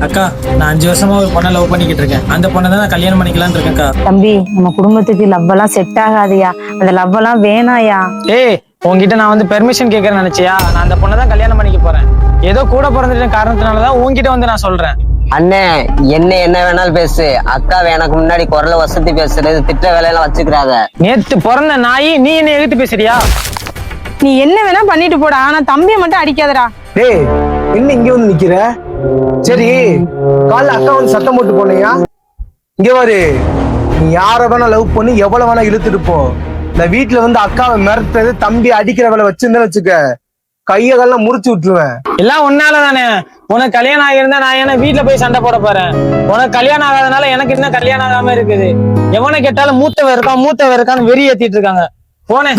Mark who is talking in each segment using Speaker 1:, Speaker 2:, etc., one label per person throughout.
Speaker 1: அக்கா, நான் 5 வருஷமா ஒரு பொண்ணை லவ் பண்ணிக்கிட்டு இருக்கேன். அந்த பொண்ணை தான் நான் கல்யாணம் பண்ணிக்கலாம்னு இருக்கேன்க்கா.
Speaker 2: தம்பி, நம்ம குடும்பத்துக்கு லவ் எல்லாம் செட் ஆகாதியா. அந்த லவ் எல்லாம் வேணாயா.
Speaker 1: ஏய், உன்கிட்ட நான் வந்து பெர்மிஷன் கேட்கறேன்னு நினைச்சியா? நான் அந்த பொண்ணை தான் கல்யாணம் பண்ணிக்க போறேன். ஏதோ கூட பிறந்துட்ட காரணத்தினாலதான் உன்கிட்ட வந்து நான் சொல்றேன்.
Speaker 3: அண்ணே, என்ன வேணாலும் பேசு. அக்காவை எனக்கு முன்னாடி குரல வசதி பேசுறது, திட்ட வேலையெல்லாம் வச்சுக்கிறாத.
Speaker 1: நேத்து பிறந்த நாய், நீ என்ன எதிர்த்து பேசுறியா?
Speaker 2: நீ என்ன வேணா பண்ணிட்டு போடா, ஆனா தம்பியை மட்டும் அடிக்காதடா.
Speaker 4: டேய், என்ன இங்க வந்து நிக்கிற? சரி, காலைல அக்கா வந்து சத்தம் போட்டு போனியா? இங்க பாரு, நீ யார வேணா லவ் பண்ணி எவ்வளவு வேணா இழுத்துட்டு போ. இந்த வீட்டுல வந்து அக்காவை மிரட்டுறது, தம்பி அடிக்கிற வேலை வச்சிருந்தேன்னு வச்சுக்க, கையெல்லாம் முறிச்சு விட்டுருவேன்.
Speaker 1: எல்லாம் உன்னால தானே. உனக்கு கல்யாணம் ஆகியிருந்தா நான் என்ன வீட்டுல போய் சண்டை போட போறேன்? உனக்கு கல்யாணம் ஆகாதனால எனக்கு இன்னும் கல்யாணம் ஆகாம இருக்குது. எவனை கேட்டாலும் மூத்தவன் இருக்கான்னு வெறி ஏத்திட்டு இருக்காங்க. போனேன்.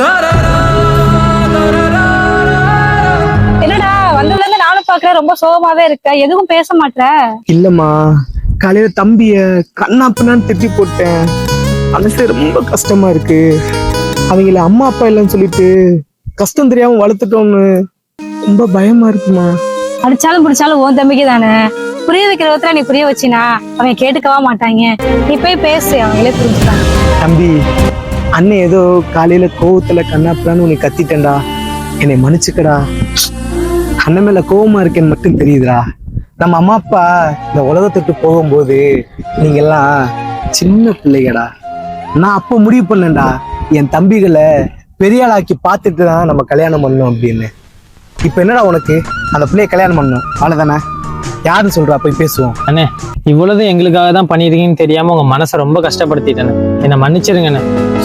Speaker 5: என்னடா வந்ததுல இருந்து நானும் பாக்குறேன், ரொம்ப சோகமாவே இருக்க, எதுவும் பேச மாட்ற.
Speaker 4: இல்லம்மா, காலையில தம்பிய கண்ணா பின்னான்னு திட்டி போட்டேன். மனசு ரொம்ப கஷ்டமா இருக்கு. அவங்கள அம்மா அப்பா இல்லைன்னு சொல்லிட்டு கஷ்டம் தெரியாம வளர்த்துட்டோம்னு ரொம்ப பயமா இருக்குமா.
Speaker 5: அடிச்சாலும் பிடிச்சாலும் உன் தம்பிக்கு தானே. புரிய வைக்கிற விதத்துல நீ புரிய வச்சினா அவங்க கேட்டுக்கவா மாட்டாங்க. நீ போய் பேசு, அவங்களே புரிஞ்சுப்பாங்க.
Speaker 4: தம்பி, அண்ணன் ஏதோ காலையில கோவத்துல கண்ணாப்பிடான்னு உன்னை கத்திட்டேன்டா, என்னை மன்னிச்சுக்கடா. அண்ணன் மேல கோவமா இருக்கேன்னு மட்டும் தெரியுதுடா. நம்ம அம்மா அப்பா இந்த உலகத்துக்கு போகும்போது நீங்க எல்லாம் சின்ன பிள்ளைகடா. நான் அப்போ முடிவு பண்ணேன்டா, என் தம்பிகளை பெரிய ஆளாக்கி பார்த்துட்டு தான் நம்ம கல்யாணம் பண்ணணும் அப்படின்னு. இப்ப என்னடா உனக்கு? அந்த பிள்ளைய கல்யாணம் பண்ணணும், அவ்வளவுதானே? யாருன்னு சொல்றா, போய் பேசுவோம்.
Speaker 1: அண்ணே, இவ்வளவு எங்களுக்காக தான் பண்ணிருக்கீங்கன்னு தெரியாம உங்க மனசை ரொம்ப கஷ்டப்படுத்திட்டேன்னு என்ன மன்னிச்சிருங்கண்ணே.